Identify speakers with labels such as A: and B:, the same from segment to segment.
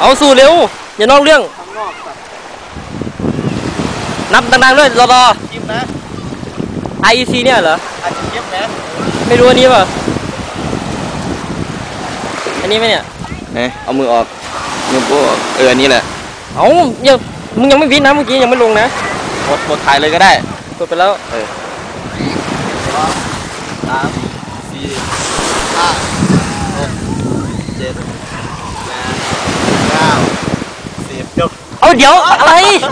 A: เอาสู่เร็วอย่านอกเรื่องนับดังๆด้วยรอ
B: ยิ้มนะ
A: IEC เนี่ยเหรอ
B: อาจจะยิ้มนะ
A: ไม่รู้อันนี้ป่ะอันนี้ไหมเนี่ย
B: เอามือออกมือโป้อันนี้แหละ
A: เอายังมึงยังไม่วินนะเมื่อกี้ยังไม่ลงนะ
B: กดถ่ายเลยก็ได้
A: กดไปแล้ว
B: 3 4 5 6 7 8 9 10จบ
A: เอาเดี๋ยวอะไร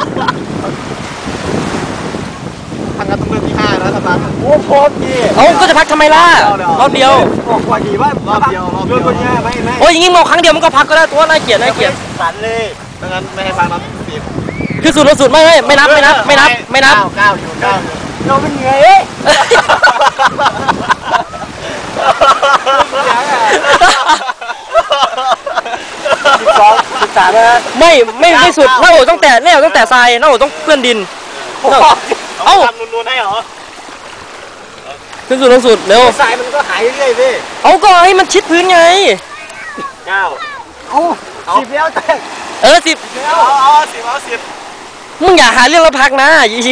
B: ทางการต้องเริ่มที่5นะสตาร์ทโอ้โหพี่
A: เอาก็จะพักทำไมล่ะรอบเดียว
B: บอกว่าดีว่ารอบเดียว
A: ไม่โอ้ยอย่างงี้งอครั้งเดียวมันก็พักก็ได้ตัวน่าเกลียด
B: สั่นเลยดังนั้นไม่ให้ฟังนับ10
A: คือสุดไม่นับ9อยู่9
B: เราเป็นไง12 13นะ
A: ไม่สุดหน้าอกต้องแตะทรายหน้าอกต้องเปื้อนดิน
B: เอาทำนูนๆให้เหรอ
A: ขึ้นสุดเร็ว
B: ทรายมันก็หายเรื่อยๆพี่
A: เอาก็ให้มันชิดพื้นไง
B: 9เอา10แล้วแต่
A: 10
B: เอา10
A: มึงอย่าหาเรื่องแล้วพักนะ11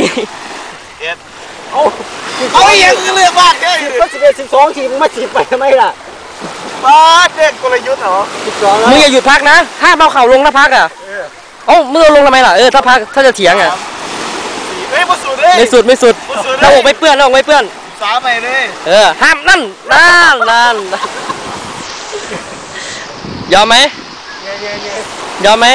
B: เอาอย่างเลือกมากเลยก็11 12ทีมึงมา10ไปทำไมล่ะบ้าเด็กกลยุทธ์เหรอ12
A: มึงอย่าหยุดพักนะห้ามเอาเข่าลงนะพักอ่ะมึงเอาลงทำไมล่ะถ้าพักถ้าจะเถียงอ่ะไม่สุดหน้าอกไม่เปื้อน
B: 3ไปเลย
A: ห้ามนั่นยอมไหมยอมไหม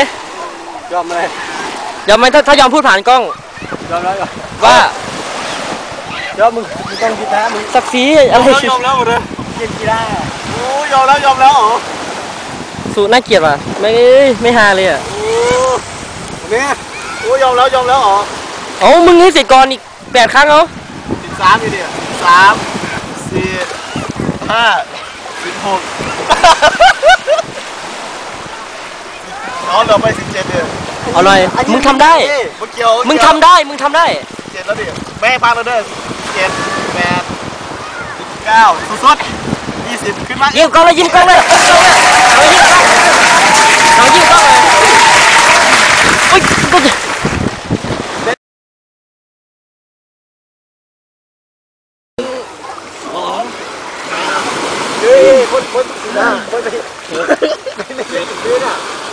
A: ถ้ายอมพูดผ่านกล้อง
B: ยอมแล้ว
A: ว่า
B: เดี๋ยวมึงต้องคิดนะมึง
A: สักสีอะไร
B: ยอมแล้วหมดเลยเกมกีฬาโอ้ยอมแล้วเหรอ
A: สูน่าเกลียดว่ะไม่ฮาเลยอ่ะ
B: เนี่ยโอ้ยอมแล้วเหรอ
A: มึงนี่เสร็จก่อนอีก8 ครั้ง
B: 13อยู่ดิ3 4 5 16เหลือไป17เดือน
A: เอาหน่อยมึงทำได้มึงทำได้7
B: แล้วดิแม่พังแล้วเด้อ7 8 9สุด20ขึ้นมา
A: ยิ้มกล้องเลยเอายิ้มกล้องเลยโอ๊ย
B: คนนะคนไม่ซื้อน่ะ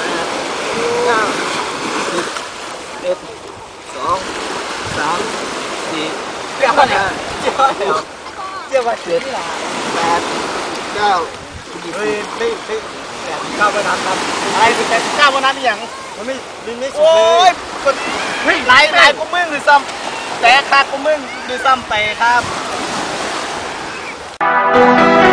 B: 9 10 2 3 4 9เนี่ยเจ้าว่า7 8 9เฮ้ยไม่9วันนั้นครับอะไรเป็น9วันนั้นอย่างมันไม่สุดเลยโอ้ยไล่กูมึงหรือซ้ำแต่ขาดกูมึงหรือซ้ำไปครับ